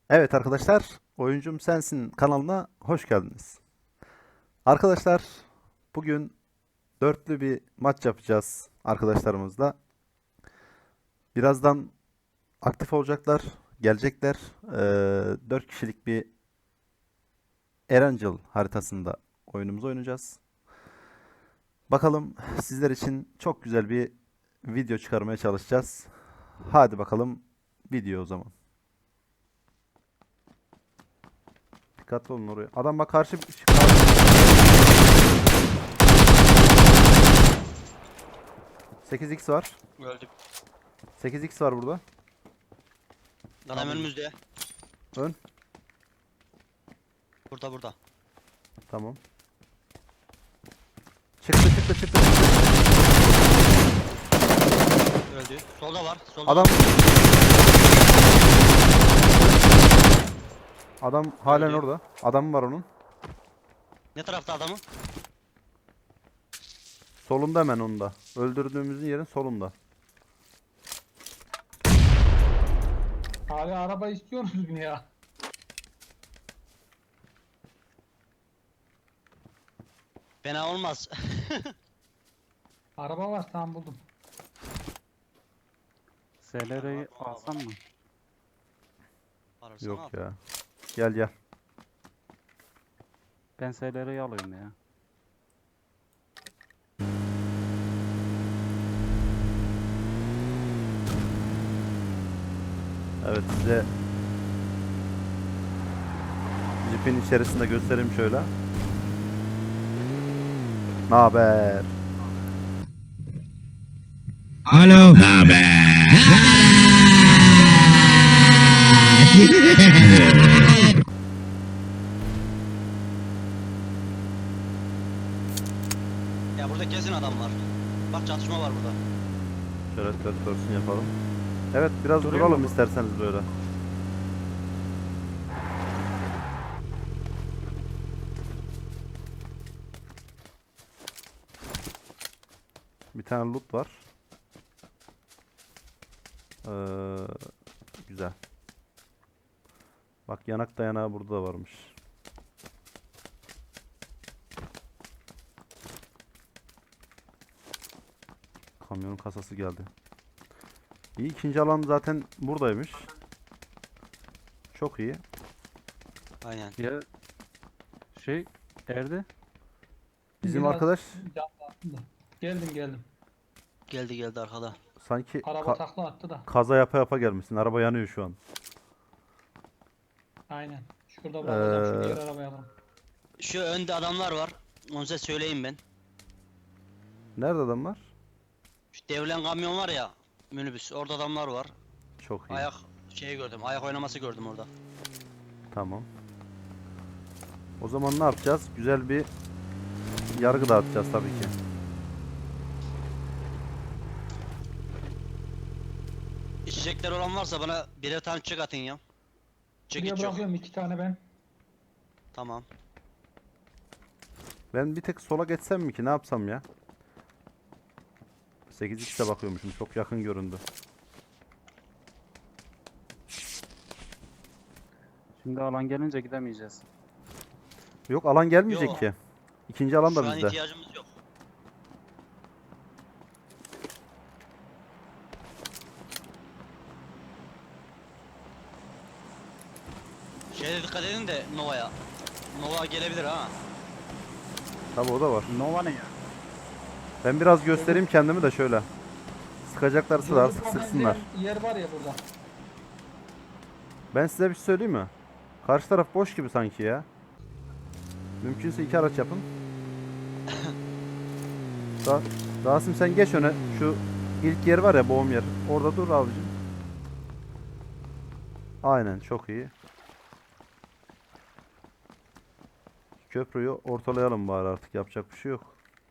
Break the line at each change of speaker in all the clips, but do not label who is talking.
Evet arkadaşlar, Oyuncum Sensin kanalına hoş geldiniz. Arkadaşlar, bugün dörtlü bir maç yapacağız arkadaşlarımızla. Birazdan aktif olacaklar, gelecekler. 4 kişilik bir Erangel haritasında oyunumuzu oynayacağız. Bakalım sizler için çok güzel bir video çıkarmaya çalışacağız. Hadi bakalım video o zaman. Dikkatli olun oraya. Adam bak karşı... 8x var.
Öldük.
8x var burada.
Adam
Tamam.
önümüzde.
Ön.
Burada.
Tamam. Çıktı.
Öldü. Solda var. Solda
Adam
var.
adam halen
Öldü.
orada. Adam var onun.
Ne tarafta adamı?
Solunda hemen onun da. Öldürdüğümüzün yerin solunda.
Abi araba istiyorsunuz mu ya?
Fena olmaz.
Araba var, tamam buldum.
SLR'yi alsam mı?
Ararsan
Yok
al.
ya. Gel.
Ben SLR'yi alayım ya.
Evet size Jeep'in içerisinde göstereyim şöyle. Ne haber?
Alo. Haber.
Ya burada kesin adam var. Bak çatışma var burada.
Şöyle third person yapalım. Evet biraz
Durayım
duralım
mı?
isterseniz böyle. Bir tane loot var. Ee, güzel. Bak yanak dayanağı burada da varmış. Kamyonun kasası geldi. İyi, ikinci alan zaten buradaymış. Çok iyi.
Aynen.
Ya şey Erdi
Bizim
Biraz
arkadaş
can lazım da. Geldim.
Geldi arkada.
sanki
Araba takla attı da.
kaza yapa gelmişsin. Araba yanıyor şu an.
Aynen. Şurada bırakacağım, şu
Ee,
diğer arabaya alalım.
Şu önde adamlar var. Onu size söyleyeyim ben.
Nerede adamlar?
Şu devrilen kamyon var ya. Minibüs. Orada adamlar var.
Çok iyi.
Ayak şeyi gördüm. Ayak oynaması gördüm orada.
Tamam. O zaman ne yapacağız? Güzel bir yargı dağıtacağız tabii ki.
İçecekler olan varsa bana birer tane çek atın ya.
Buraya
Çekiç yok.
bırakıyorum 2 tane ben.
Tamam.
Ben bir tek sola geçsem mi ki? Ne yapsam ya? 8x'e bakıyormuşum. Çok yakın göründü.
şimdi alan gelince gidemeyeceğiz.
Yok alan gelmeyecek
Yok.
ki. İkinci alan da
Şu an
bizde.
ihtiyacımız yok. Şeye dikkat edin de Nova'ya. Nova gelebilir ha.
Tabii o da var.
Nova ne ya?
Ben biraz göstereyim kendimi de şöyle. Sıkacaklarsa da
Yolda
sıksınlar.
benzeyen yer var ya burada.
Ben size bir şey söyleyeyim mi? Karşı taraf boş gibi sanki ya. Mümkünse iki araç yapın. Ra Rasim sen geç öne. Şu ilk yer var ya, boğum yer. Orada dur abicim. Aynen, çok iyi. Köprüyü ortalayalım bari, artık yapacak bir şey yok.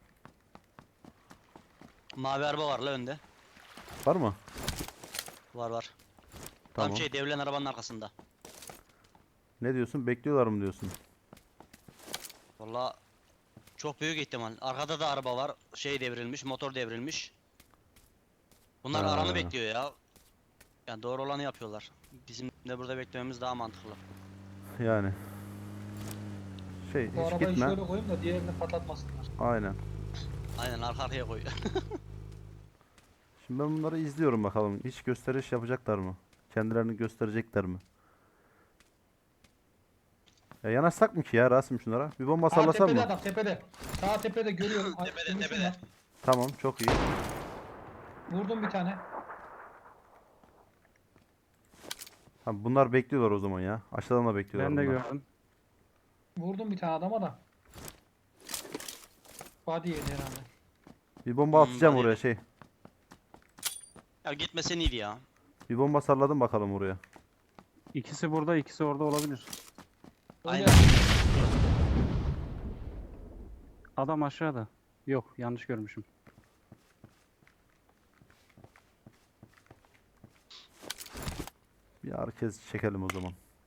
Mavi araba var la önde.
Var mı?
Var.
Tamam.
Tam şey devrilen arabanın arkasında.
Ne diyorsun? Bekliyorlar mı diyorsun?
Valla çok büyük ihtimal. Arkada da araba var. Şey devrilmiş, motor devrilmiş. Bunlar
Ha.
aranı bekliyor ya. Yani doğru olanı yapıyorlar. Bizim de burada beklememiz daha mantıklı.
Yani.
Bu
Hiç
arabayı
gitme.
şöyle koyayım da diğerini patlatmasınlar.
Aynen.
Aynen arka arkaya koy.
Şimdi ben bunları izliyorum bakalım. Hiç gösteriş yapacaklar mı? Kendilerini gösterecekler mi? Yanaşsak mı ki ya Rasim şunlara? Bir bomba
Sağ
sallasam
tepede
mı?
adam tepede. Sağ tepede görüyorum. Ay,
Tepede,
durmuşum
tepede.
lan.
Tamam, çok iyi.
Vurdum bir tane.
Ha, bunlar bekliyorlar o zaman ya. Aşağıdan da bekliyorlar
Ben de
bunlar.
gördüm.
Vurdum bir tane adama da. Body yedi herhalde.
Bir bomba atacağım
hadi.
oraya şey.
Ya gitmesen iyiydi ya.
Bir bomba salladım bakalım oraya.
İkisi burada, ikisi orada olabilir.
Aynen.
Öyle.
Adam aşağıda. Yok, yanlış görmüşüm.
Bir herkes çekelim o zaman.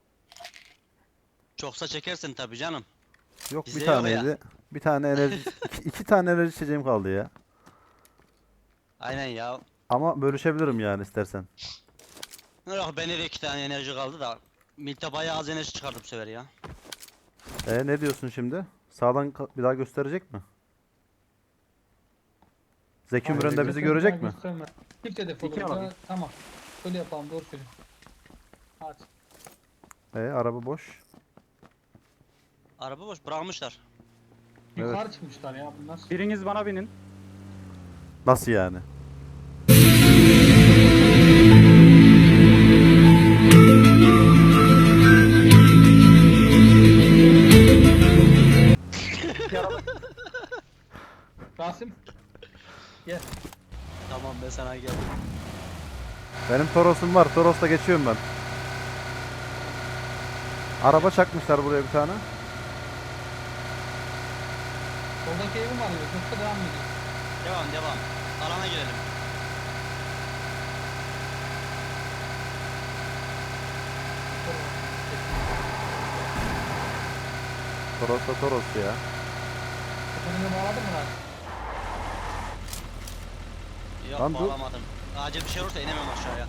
Çoksa çekersin tabii canım.
Yok
Bizde
bir
yok ya.
taneydi. Bir tane enerji, iki tane enerji içeceğim kaldı ya.
Aynen ya.
Ama bölüşebilirim yani istersen.
Yok bende de 2 tane enerji kaldı da. Milta bayağı az enerji çıkardı bu sefer ya.
Ne diyorsun şimdi? Sağdan bir daha gösterecek mi? Zeki
Hayır,
Müren de bizi
gösterme,
görecek mi?
gösterme. Çift hedef
İki
olur.
alalım.
Tamam. Öyle yapalım, doğru söylüyorsun. Hadi.
Araba boş.
Araba boş bırakmışlar.
Evet.
Yukarı çıkmışlar ya bunlar.
Biriniz bana binin.
Nasıl yani?
Rasim. Gel.
Tamam ben sana geldim.
Benim Toros'um var. Toros'ta geçiyorum ben. Araba çakmışlar buraya bir tane.
Soldaki evim var ya. Yoksa devam ediyor.
Devam. Alana girelim.
Toros'ta Toros ya.
Önüne bağladın mı Rasim?
Yok
Lan dur.
bağlamadım. Acil bir şey olursa inemem aşağıya.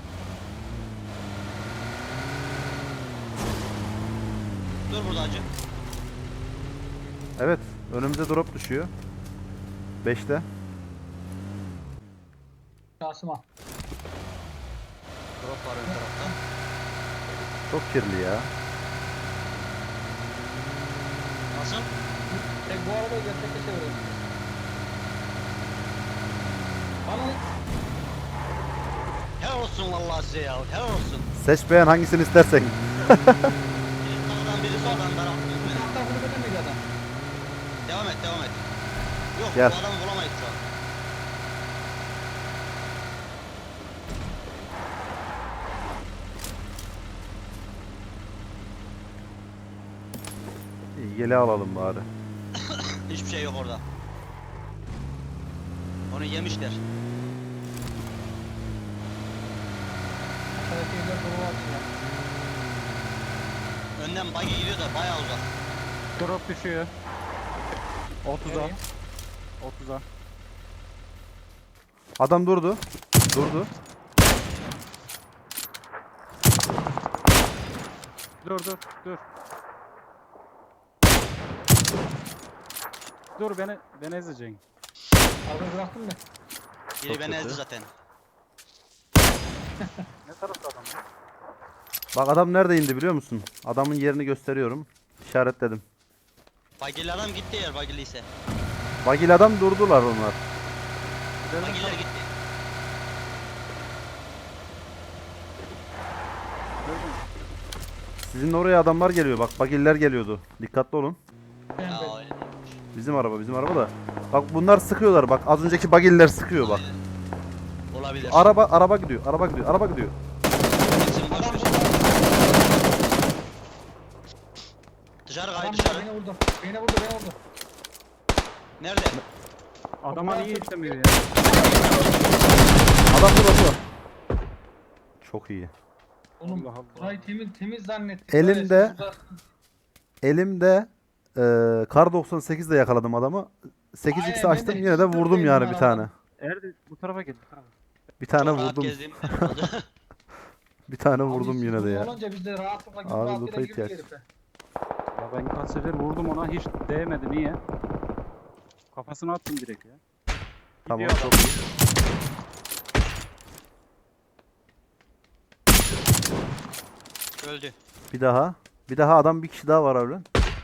Dur burada acı.
Evet. Önümüze drop düşüyor. 5'te.
Rasim al.
Drop var ön tarafta.
Çok kirli ya.
Nasıl?
Tek bu arabayı gerçekte çevirelim. Bana
Helal olsun vallahi size ya. Helal olsun.
Seç beğen hangisini istersen.
Biri sağdan biri soldan taraf.
bu taraftan kulübede miydi adam?
Devam et. Yok
Gel.
bu adamı bulamayız şu an.
İyi, yele alalım bari.
Hiçbir şey yok orada. Onu yemişler.
Aşağıdaki evler dolu var ya.
Önden buggy gidiyor da bayağı uzak.
Drop düşüyor. 30'a.
Nereye?
30'a.
Adam durdu. Durdu.
Dur. Dur beni ezeceksin.
Arabayı bıraktın mı?
Biri
Çok
beni ezdi
kötü.
zaten.
Ne tarafta adam ya?
Bak adam nerede indi biliyor musun? Adamın yerini gösteriyorum. İşaretledim.
Bagili adam gitti eğer bagili ise.
Bagil adam durdular onlar.
Bagiller gitti.
Sizin oraya adamlar geliyor. Bak bagiller geliyordu. Dikkatli olun.
Ben
Ya
de.
öyle.
Bizim araba da. Bak bunlar sıkıyorlar. Bak az önceki bagiller sıkıyor bak.
Olabilir.
Araba gidiyor. Araba gidiyor.
Gitsin, boş
Adam
ver.
burada.
Dışarı
Adam
kay
burada
dışarı.
beni vurdu. Beni vurdu.
Nerede?
Adama niye istemiyor ya?
Adam burada. Çok iyi.
Oğlum
Allah Allah.
burayı temiz zannettik.
Elimde-
Böyle siz uzak-
Elimde Kar 98'de yakaladım adamı. 8x
Aynen, ben
açtım
de
yine de
hiç
vurdum
durmayayım
yani
ben
bir tane.
adam.
Erdi bu tarafa gel. Bu tarafa.
Bir tane
Çok rahat
vurdum.
gezdiğim.
Bir tane
Abi
vurdum yine de
sıkıntı
ya.
olunca biz de rahatlıkla gibi
Abi
rahatlıkla
loot'a
girdik
ihtiyaç.
herife.
Ya ben kaç sefer vurdum ona hiç değmedi. Niye? Kafasına attım direkt ya.
Tamam
Gidiyor
çok
adam.
iyi.
Öldü.
Bir daha. Bir daha adam bir kişi daha var abi.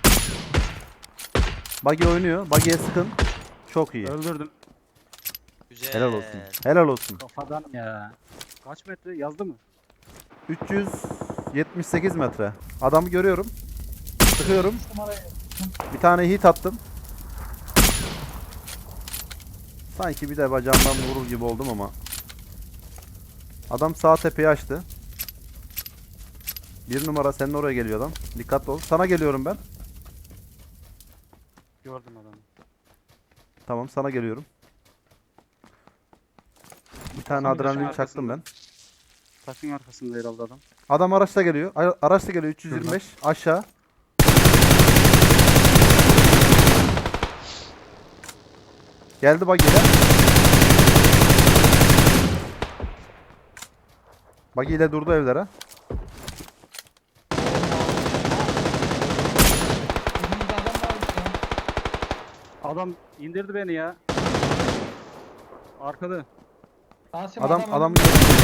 Buggy oynuyor. Buggy'ye sıkın. Çok iyi.
Öldürdüm.
Güzel.
Helal olsun. Helal olsun.
Kafadan ya. Kaç metre yazdı mı?
378 metre. Adamı görüyorum. Sıkıyorum.
Numarayı
Bir tane hit attım. Sanki bir de bacağımdan vurur gibi oldum ama. Adam sağ tepeyi açtı. Bir numara senin oraya geliyor adam. Dikkatli ol. Sana geliyorum ben.
Gördüm adamı.
Tamam sana geliyorum. Bir tane
Taşın
adrenalin
arkasında.
çaktım ben.
Taşın arkasında herhalde adam.
Adam araçla geliyor. Araçla geliyor 325 aşağı. Geldi buggy ile. Buggy ile durdu evlere.
önümüzde adam varmış ya.
Adam indirdi beni ya. Arkada.
Rasim
Adam
önümüzde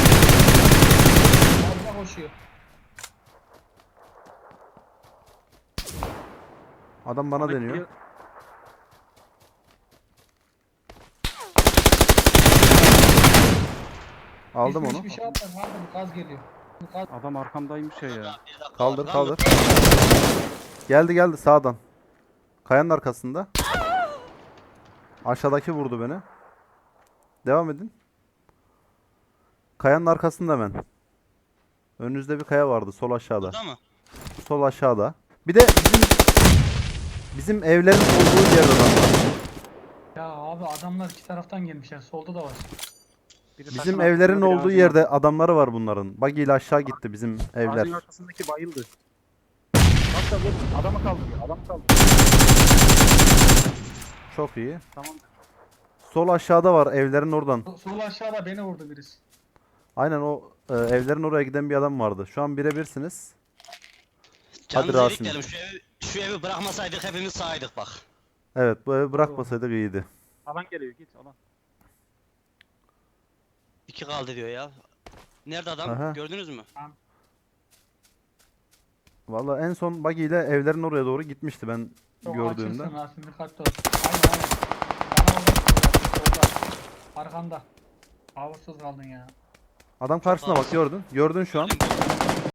ağzına koşuyor.
adam bana
Bana
deniyor.
geliyor.
Aldım
Hiçbir-
onu.
Hiçbir şey atmadım. Aldım. Gaz geliyor. Gaz.
Adam arkamdaymış ya.
Bir dakika
Kaldır
var.
kaldır. Geldi sağdan. Kayanın arkasında. Aşağıdaki vurdu beni. Devam edin. Kayanın arkasında hemen. Önünüzde bir kaya vardı sol aşağıda.
Burada mı?
Sol aşağıda. Bir de bizim evlerin olduğu yerde adam var.
Ya abi adamlar iki taraftan gelmişler. Solda da var.
Biri
Bizim
taşın
evlerin
arkasında, biri
olduğu
ağacın
yerde adamları var bunların. Buggy ile aşağı gitti bizim evler.
Ağacın arkasındaki bayıldı. Bak da vur. Adamı kaldırıyor. Adamı kaldırıyor.
Çok iyi.
Tamam.
Sol aşağıda var evlerin oradan.
Sol aşağıda beni vurdu birisi.
Aynen o evlerin oraya giden bir adam vardı. Şu an birebirsiniz.
Canınızı
Rasim.
ilikleyelim. Şu evi bırakmasaydık hepimiz sağydık bak.
Evet bu evi bırakmasaydık iyiydi.
Alan geliyor. Git alan.
2 kaldı diyor ya. Nerede adam?
Aha.
Gördünüz mü?
Valla en son Buggy ile evlerin oraya doğru gitmişti ben
Çok
gördüğümde.
açılsın Rasim dikkatli ol. Aynen aynen. Bana orada solda. Arkanda. Avursuz kaldın ya.
Adam karşısına bak gördün. Gördün şu an.